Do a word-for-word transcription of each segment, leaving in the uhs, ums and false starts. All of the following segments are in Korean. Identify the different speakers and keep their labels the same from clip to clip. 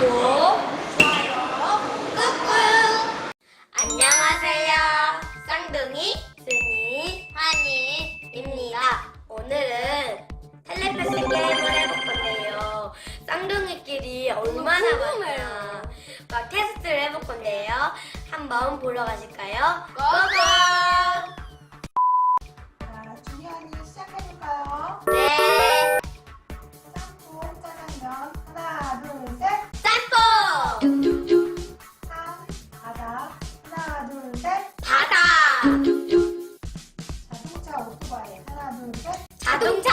Speaker 1: 좋아요, 꾹꾹! 안녕하세요. 쌍둥이, 순이, 환희입니다. 오늘은 텔레파시 게임을 해볼 건데요. 쌍둥이끼리 얼마나 많나 막 테스트를 해볼 건데요. 한번 보러 가실까요? 고고!
Speaker 2: 자, 준현이 시작해볼까요?
Speaker 1: 네!
Speaker 2: 짬뽕, 짜장면. 하나, 둘, 셋.
Speaker 1: 짬뽕!
Speaker 2: 산, 바다. 하나, 둘, 셋.
Speaker 1: 바다!
Speaker 2: 자동차, 오토바이. 하나, 둘, 셋.
Speaker 1: 자동차!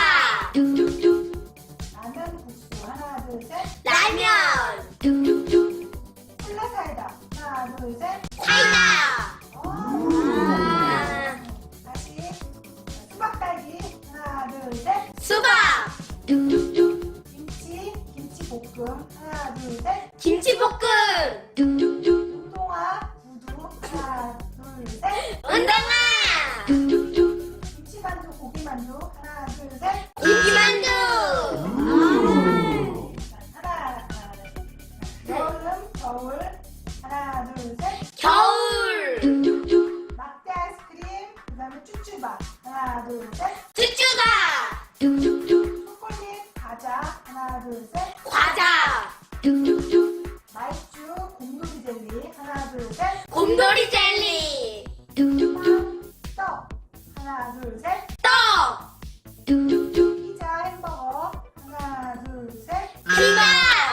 Speaker 2: 라면, 국수. 하나, 둘, 셋.
Speaker 1: 라면!
Speaker 2: 콜라 사이다. 하나, 둘, 셋.
Speaker 1: 사이다!
Speaker 2: 오.
Speaker 1: 아,
Speaker 2: 다시. 수박, 딸기. 하나, 둘, 셋.
Speaker 1: 수박!
Speaker 2: 김치, 김치볶음. 하나, 둘, 셋.
Speaker 1: 김치볶음!
Speaker 2: 운동화, 구두. 하나, 둘, 셋.
Speaker 1: 운동화!
Speaker 2: 김치만두, 고기만두. 하나, 둘, 셋.
Speaker 1: 고기만두!
Speaker 2: 하나, 여름, 겨울. 하나, 둘, 셋.
Speaker 1: 겨울!
Speaker 2: 막대 아이스크림. 그 다음에 쭈쭈바. 하나, 둘, 셋.
Speaker 1: 쭈쭈가!
Speaker 2: 초콜릿, 과자. 하나, 둘, 셋.
Speaker 1: 과자!
Speaker 2: 마이쮸, 곰돌이 젤리. 하나, 둘, 셋.
Speaker 1: 곰돌이 젤리!
Speaker 2: 빵, 떡. 하나, 둘, 셋.
Speaker 1: 떡!
Speaker 2: 피자, 햄버거. 하나, 둘, 셋.
Speaker 1: 피자!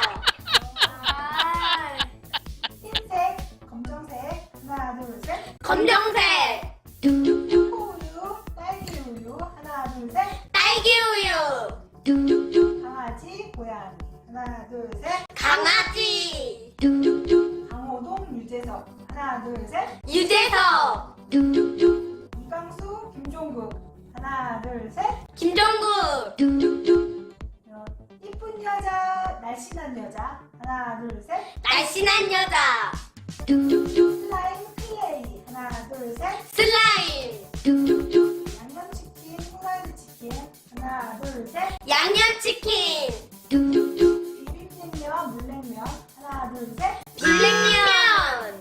Speaker 2: 아, 흰색, 검정색. 하나, 둘, 셋.
Speaker 1: 검정색!
Speaker 2: 초코우유, 딸기 우유. 하나, 둘, 셋.
Speaker 1: 딸기 우유!
Speaker 2: 강아지, 고양이. 하나, 둘, 셋.
Speaker 1: 강아지!
Speaker 2: 강호동, 유재석. 하나, 둘, 셋.
Speaker 1: 유재석!
Speaker 2: 이광수, 김종국. 하나, 둘, 셋.
Speaker 1: 김정국!
Speaker 2: 어, 이쁜 여자, 날씬한 여자. 하나, 둘, 셋.
Speaker 1: 날씬한 여자!
Speaker 2: 슬라임, 클레이. 하나, 둘, 셋.
Speaker 1: 슬라임!
Speaker 2: 양념치킨, 후라이드 치킨. 하나, 둘, 셋.
Speaker 1: 양념치킨!
Speaker 2: 비빔냉면, 물냉면. 하나, 둘, 셋.
Speaker 1: 비빔면!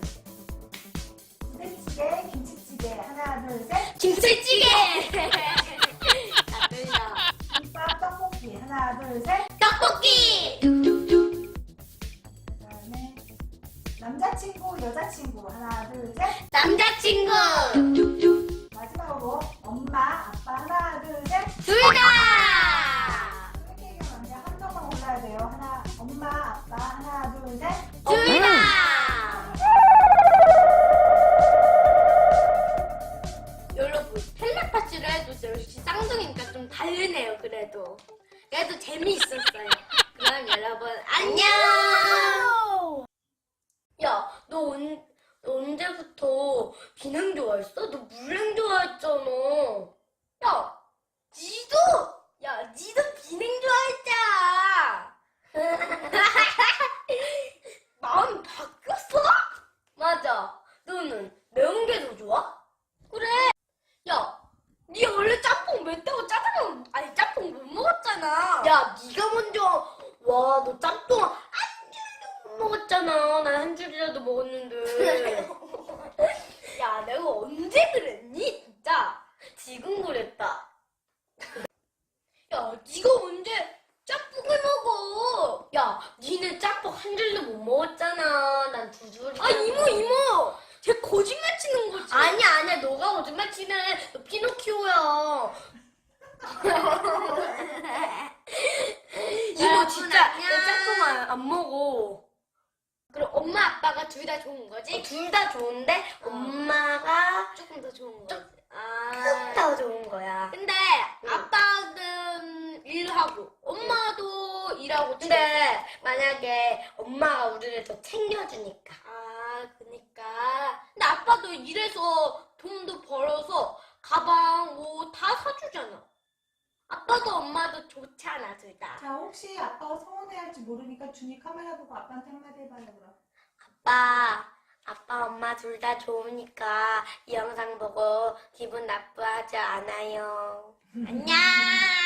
Speaker 2: 부대찌개, 김치찌개. 하나, 둘, 셋.
Speaker 1: 김치찌개! 다 들려.
Speaker 2: 김밥, 떡볶이. 하나, 둘, 셋.
Speaker 1: 떡볶이!
Speaker 2: 그 다음에 남자친구, 여자친구. 하나, 둘, 셋.
Speaker 1: 남자친구!
Speaker 2: 마지막으로 엄마, 아빠. 하나, 둘, 셋.
Speaker 1: 둘 다!
Speaker 2: 이렇게 얘기하면 한 명만 골라야 돼요. 하나, 엄마, 아빠. 하나, 둘, 셋.
Speaker 1: 둘 다! 여러분, 텔레파시를 해도 역시 쌍둥이니까 좀 다르네요, 그래도. 그래도 재미있었어요. 그럼 여러분, 안녕! 야, 너, 언, 너 언제부터 비냉 좋아했어? 너 물냉 좋아했잖아. 야, 니도! 야, 니도 비냉 좋아했잖아. 마음이 바뀌었어? 맞아. 너는 매운 게 더 좋아? 그래. 야, 니 원래 짬뽕 맵다고 짜장면 아니 짬뽕 못 먹었잖아. 야, 니가 먼저. 와, 너 짬뽕 한 줄도 못 먹었잖아. 난 한 줄이라도 먹었는데. 야, 내가 언제 그랬니? 진짜 지금 그랬다. 야, 니가 언제 짬뽕을 먹어? 야, 니네 짬뽕 한 줄도 못 먹었잖아. 난 두 줄이. 아, 이모, 이모! 쟤 거짓말 치는 거지. 아니야, 아니야. 너가 거짓말 치네. 너 피노키오야. 이모, 진짜 내 짬뽕 안, 안 먹어. 그럼 엄마, 아빠가 둘 다 좋은 거지? 어, 둘 다 좋은데 어. 엄마가 조금 더 좋은 거지. 아, 조금 더 좋은 거야. 근데 응. 아빠는 일하고 엄마도 일하고. 근데 만약에 엄마가 우리를 더 챙겨주니까. 아, 그니까. 근데 아빠도 일해서 돈도 벌어서 가방, 옷 다 사주잖아. 아빠도 엄마도 좋잖아, 둘 다.
Speaker 2: 자, 혹시 아빠가 서운해할지 모르니까 준이 카메라 보고 아빠한테 한마디 해봐요, 그럼.
Speaker 1: 아빠, 아빠, 엄마 둘 다 좋으니까 이 영상 보고 기분 나쁘하지 않아요. 안녕!